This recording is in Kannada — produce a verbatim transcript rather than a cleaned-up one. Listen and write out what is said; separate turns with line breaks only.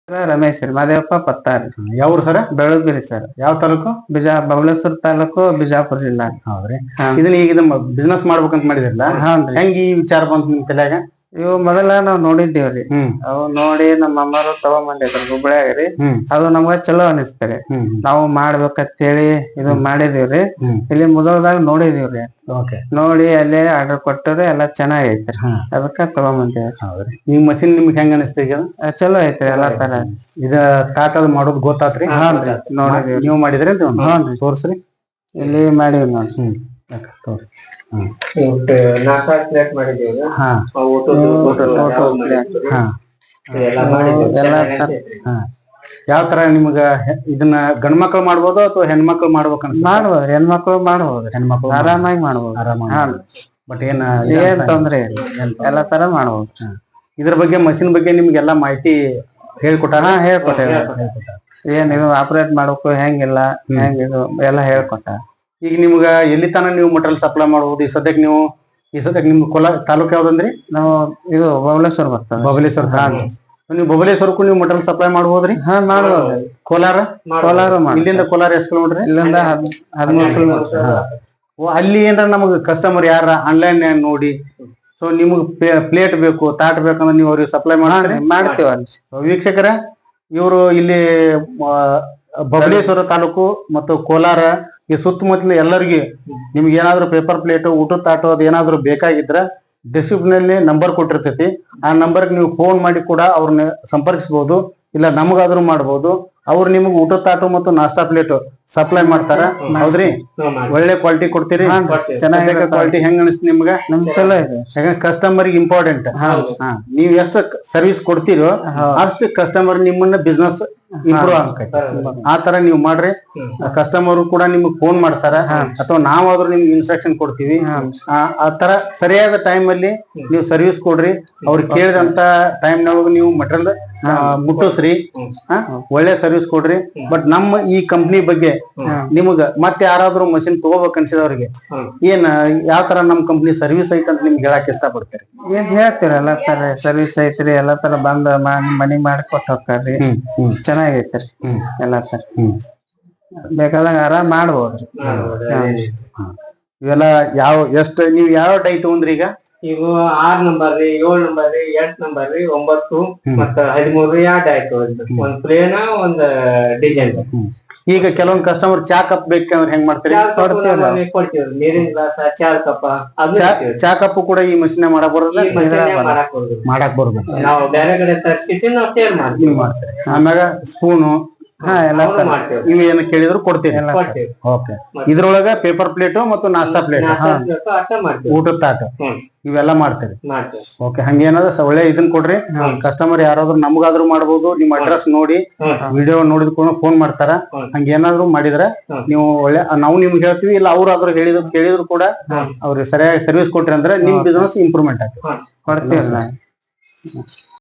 ರಮೇಶ್ ರೀ ಮಾದೇವಪ್ಪ ಪತ್ತಾರಿ.
ಯಾವ್ರು ಸರ್?
ಬೆಳಗುರಿ ಸರ್.
ಯಾವ ತಾಲೂಕು?
ಬಿಜಾ ಬಬಲೇಶ್ವರ ತಾಲೂಕು ಬಿಜಾಪುರ ಜಿಲ್ಲಾ.
ಹೌದ್ರಿ. ಇದನ್ನ ಈಗ ಇದನ್ನ ಬಿಸ್ನೆಸ್ ಮಾಡ್ಬೇಕಂತ ಮಾಡಿದಿರಲ್ಲ, ಹೆಂಗ್ ಈ ವಿಚಾರ ಬಂತು ನಿಮ್ ತಲೆಯಾಗ?
ಇವು ಮೊದಲ ನಾವ್ ನೋಡಿದ್ದೇವ್ರಿ.
ಹ್ಮ್
ಅವು ನೋಡಿ ನಮ್ಮ ಅಮ್ಮರು ತಗೊಂಬಂದಿದ್ರು ಹುಬ್ಳ್ಯಾಗ್ರಿ.
ಹ್ಮ್
ಅದು ನಮ್ಗ ಚಲೋ ಅನಿಸ್ತರಿ.
ಹ್ಮ್
ನಾವು ಮಾಡ್ಬೇಕಂತೇಳಿ ಇದು ಮಾಡಿದೀವ್ರಿ.
ಹ್ಮ್
ಇಲ್ಲಿ ಮುದೋಳದಾಗ ನೋಡಿದೀವ್ರಿ.
ಓಕೆ.
ನೋಡಿ ಅಲ್ಲೇ ಆರ್ಡರ್ ಕೊಟ್ಟರೆ ಎಲ್ಲಾ ಚೆನ್ನಾಗೈತ್ರಿ.
ಹ್ಮ್
ಅದಕ್ಕ ತಗೊಂಬಂದೇವ್ರಿ.
ಹೌದ್ರಿ. ಈ ಮಷಿನ್ ನಿಮ್ಗೆ ಹೆಂಗ ಅನಿಸ್ತ ಈಗ?
ಅದ್ ಚಲೋ ಐತ್ರಿ ಎಲ್ಲಾ ತರ.
ಇದ ತಾಟದ್ ಮಾಡೋದು ಗೊತ್ತಾತ್ರಿ?
ಹಾನ್ರಿ ನೋಡಿದೀವ್ರಿ.
ನೀವು ಮಾಡಿದ್ರಿ?
ಹಾನ್ರಿ
ತೋರ್ಸ್ರಿ.
ಇಲ್ಲಿ ಮಾಡೀವಿ ನೋಡ್ರಿ.
ಹ್ಮ್ ತೋರಿ. ಹ್ಮ್
ನಾಷ್ಟಾ ಪ್ಲೇಟ್ ಮಾಡಿದೀವಿ.
ಹಾ ಹಾ
ಎಲ್ಲಾ
ಹಾ ಯಾವ ತರ ನಿಮ್ಗ ಇದನ್ನ ಗಂಡ್ ಮಕ್ಳು ಮಾಡ್ಬೋದು ಅಥವಾ ಹೆಣ್ಮಕ್ಳು ಮಾಡ್ಬೇಕು ಅನ್ಸ?
ಮಾಡ್ಬೋದ್ರಿ, ಹೆಣ್ಮಕ್ಳು ಮಾಡ್ಬೋದ್ರಿ.
ಹೆಣ್ಮಕ್ಳು
ಆರಾಮಾಗಿ ಮಾಡ್ಬೋದು.
ಆರಾಮಾಗಿ. ಬಟ್ ಏನ್
ಏನ್ ತೊಂದ್ರೆ ಇಲ್ಲ, ಎಲ್ಲಾ ತರ ಮಾಡ್ಬೋದು.
ಇದ್ರ ಬಗ್ಗೆ ಮಷಿನ್ ಬಗ್ಗೆ ನಿಮ್ಗೆಲ್ಲಾ ಮಾಹಿತಿ ಹೇಳ್ಕೊಟ್ಟಾರ?
ಹಾ ಹೇಳ್ಕೊಟ್ಟೇವಿ. ಏನ್ ಇದು ಆಪರೇಟ್ ಮಾಡ್ಬೇಕು, ಹೆಂಗಿಲ್ಲ ಹೆಂಗ್ ಇದು ಎಲ್ಲಾ ಹೇಳ್ಕೊಟ್ಟ.
ಈಗ ನಿಮ್ಗ ಎಲ್ಲಿ ತನ ನೀವು ಮಟೀರಿಯಲ್ ಸಪ್ಲೈ ಮಾಡ್ಬೋದು? ಈ ಸದ್ಯಕ್ಕೆ ನೀವು ಈ ಸದ್ಯಕ್ಕೆ ನಿಮ್ ಕೊಲ ತಾಲೂಕ್ ಯಾವ್ದಂದ್ರಿ?
ನಾವು ಇದು ಬಬಲೇಶ್ವರ ಬರ್ತದೆ.
ಬಬಲೇಶ್ವರ. ನೀವು ಬಬಲೇಶ್ವರಕ್ಕೂ ನೀವು ಮಟೀರಿಯಲ್ ಸಪ್ಲೈ ಮಾಡ್ಬೋದ್ರಿ?
ಹಾ ಮಾಡ್ಬೋದು.
ಕೋಲಾರ?
ಕೋಲಾರ ಮಾಡಿ.
ಇಲ್ಲಿಂದ ಕೋಲಾರ ಎಷ್ಟು ಕಿಲೋಮೀಟರ್?
ಇಲ್ಲಿಂದ ಹದ್ ಹದಿಮೂರು ಕಿಲೋಮೀಟರ್.
ಅಲ್ಲಿ ಏನಾರ ನಮಗ್ ಕಸ್ಟಮರ್ ಯಾರ ಆನ್ಲೈನ್ ನೋಡಿ ಸೊ ನಿಮಗ್ ಪ್ಲೇಟ್ ಬೇಕು, ತಾಟ್ ಬೇಕಂದ್ರೆ ನೀವು ಅವ್ರಿಗೆ ಸಪ್ಲೈ ಮಾಡ್ರಿ?
ಮಾಡ್ತೀವ.
ವೀಕ್ಷಕರ, ಇವರು ಇಲ್ಲಿ ಬಬಲೇಶ್ವರ ತಾಲೂಕು ಮತ್ತು ಕೋಲಾರ ಈ ಸುತ್ತಮುತ್ತಲ ಎಲ್ಲರಿಗೆ ನಿಮ್ಗೆ ಏನಾದ್ರು ಪೇಪರ್ ಪ್ಲೇಟ್, ಊಟದ ತಾಟು ಅದ್ ಏನಾದ್ರು ಬೇಕಾಗಿದ್ರ ಡಿಸ್ಕ್ರಿಪ್ಷನ್ ನಲ್ಲಿ ನಂಬರ್ ಕೊಟ್ಟಿರ್ತೈತಿ. ಆ ನಂಬರ್ಗೆ ನೀವು ಫೋನ್ ಮಾಡಿ ಕೂಡ ಅವ್ರನ್ನ ಸಂಪರ್ಕಿಸಬಹುದು, ಇಲ್ಲ ನಮಗಾದ್ರೂ ಮಾಡ್ಬೋದು. ಅವ್ರು ನಿಮ್ಗೆ ಊಟದ ತಾಟು ಮತ್ತು ನಾಷ್ಟಾ ಪ್ಲೇಟ್ ಸಪ್ಲೈ ಮಾಡ್ತಾರ. ಹೌದ್ರಿ? ಒಳ್ಳೆ ಕ್ವಾಲಿಟಿ ಕೊಡ್ತೀರಿ? ಚೆನ್ನಾಗಿ ಕ್ವಾಲಿಟಿ ಹೆಂಗ್ ಅನಿಸ್ತು ನಿಮ್ಗ?
ನಮ್ ಚಲೋ ಇದೆ.
ಯಾಕಂದ್ರೆ ಕಸ್ಟಮರ್ ಇಂಪಾರ್ಟೆಂಟ್. ನೀವ್ ಎಷ್ಟು ಸರ್ವಿಸ್ ಕೊಡ್ತೀರೋ ಅಷ್ಟು ಕಸ್ಟಮರ್ ನಿಮ್ಮನ್ನ ಬಿಸ್ನೆಸ್ ಇಂಪ್ರೂವ್ ಆಗ್ತೈತಿ. ಆ ತರ ನೀವು ಮಾಡ್ರಿ. ಕಸ್ಟಮರ್ ಕೂಡ ನಿಮ್ಗೆ ಫೋನ್ ಮಾಡ್ತಾರ, ಅಥವಾ ನಾವಾದ್ರೂ ನಿಮ್ಗೆ ಇನ್ಸ್ಟ್ರಕ್ಷನ್ ಕೊಡ್ತೀವಿ. ಆ ತರ ಸರಿಯಾದ ಟೈಮ್ ಅಲ್ಲಿ ನೀವು ಸರ್ವಿಸ್ ಕೊಡ್ರಿ. ಅವ್ರು ಕೇಳಿದಂತ ಟೈಮ್ ನಾಗ ನೀವು ಮಟೀರಿಯಲ್ ಮುಟ್ಟಿಸ್ರಿ. ಒಳ್ಳೆ ಸರ್ವಿಸ್ ಕೊಡ್ರಿ. ಬಟ್ ನಮ್ಮ ಈ ಕಂಪ್ನಿ ಬಗ್ಗೆ ನಿಮಗ ಮತ್ತೆ ಯಾರಾದ್ರೂ ಮಷಿನ್ ತಗೋಬೇಕು ಅನ್ಸಿದವ್ರಿಗೆ ಏನ್ ಯಾವ ತರ ನಮ್ ಕಂಪ್ನಿ ಸರ್ವಿಸ್ ಐತೆ ಅಂತ ನಿಮ್ಗೆ ಹೇಳಕ್ ಇಷ್ಟ ಪಡ್ತೀರಿ?
ಏನ್ ಹೇಳ್ತೀರಿ, ಎಲ್ಲಾ ತರ ಸರ್ವಿಸ್ ಐತ್ರಿ. ಎಲ್ಲಾ ತರ ಬಂದ್ ಮನಿ ಮಾಡಿ ಕೊಟ್ಟು ಹೋಗ್ತಾರ್ರಿ. ಚೆನ್ನಾಗೈತ್ರಿ ಎಲ್ಲಾ ತರ. ಬೇಕಾದಂಗ ಆರಾಮ್ ಮಾಡ್ಬೋದ್ರಿ.
ಇವೆಲ್ಲ ಯಾವ ಎಷ್ಟ್ ನೀವ್ ಯಾವ ಡೈ ತಗೊಂಡ್ರಿ ಈಗ?
ಇವು ಆರ್ ನಂಬರ್ ರೀ, ಏಳ್ ನಂಬರ್ ರೀ, ಎಂಟ್ ನಂಬರ್ ರೀ, ಒಂಬತ್ತು ಮತ್ತ ಹದಿಮೂರು ಎರಡು ಆಯ್ತು. ಒಂದ್ ಪ್ಲೇನ್ ಒಂದ್ ಡಿಸೈನ್.
ಈಗ ಕೆಲವೊಂದ್ ಕಸ್ಟಮರ್ ಚಾ ಕಪ್ ಬೇಕಂದ್ರೆ ಹೆಂಗ್ ಮಾಡ್ತೀರಿ?
ಕೊಡ್ತೀವಿ. ನೀರಿನ ಗ್ಲಾಸ್, ಚಾ ಕಪ್ಪ.
ಚಾ ಕಪ್ ಕೂಡ ಈ ಮಷಿನ್ ಮಾಡಕ್ ಬರೋದ? ಮಾಡಕ್ ಬರೋದು.
ನಾವು ಬೇರೆ ಕಡೆ ತರ್ಸ್ಕಿಸಿ ನಾವು ಸೇಲ್ ಮಾಡ್ತೀವಿ.
ಆಮ್ಯಾಗ ಸ್ಪೂನು
ಹಾ ಎಲ್ಲಾ
ಮಾಡ್ತೇವೆ.
ನೀವು ಏನ್ ಕೇಳಿದ್ರು ಕೊಡ್ತೀರಿ? ಓಕೆ. ಇದ್ರೊಳಗ ಪೇಪರ್ ಪ್ಲೇಟ್ ಮತ್ತು ನಾಷ್ಟಾ ಪ್ಲೇಟ್, ಊಟದ ತಾಟ ಇವೆಲ್ಲ ಮಾಡ್ತೀರಿ? ಓಕೆ. ಹಂಗೇನಾದ್ರ ಒಳ್ಳೆ ಇದನ್ ಕೊಡ್ರಿ. ಕಸ್ಟಮರ್ ಯಾರಾದ್ರೂ ನಮ್ಗಾದ್ರೂ ಮಾಡ್ಬೋದು. ನಿಮ್ ಅಡ್ರೆಸ್ ನೋಡಿ ವಿಡಿಯೋ ನೋಡಿದ್ಕೊಂಡು ಫೋನ್ ಮಾಡ್ತಾರ. ಹಂಗೇನಾದ್ರು ಮಾಡಿದ್ರೆ ನೀವು ಒಳ್ಳೆ ನಾವು ನಿಮ್ಗೆ ಹೇಳ್ತೀವಿ, ಇಲ್ಲ ಅವ್ರಾದ್ರೂ ಹೇಳಿದ್ರು ಕೇಳಿದ್ರು ಕೂಡ ಅವ್ರಿಗೆ ಸರಿಯಾಗಿ ಸರ್ವಿಸ್ ಕೊಟ್ರಿ ಅಂದ್ರೆ ನಿಮ್ ಬಿಸ್ನೆಸ್ ಇಂಪ್ರೂವ್ಮೆಂಟ್ ಆಗ್ತದೆ.
ಕೊಡ್ತೀವಿ.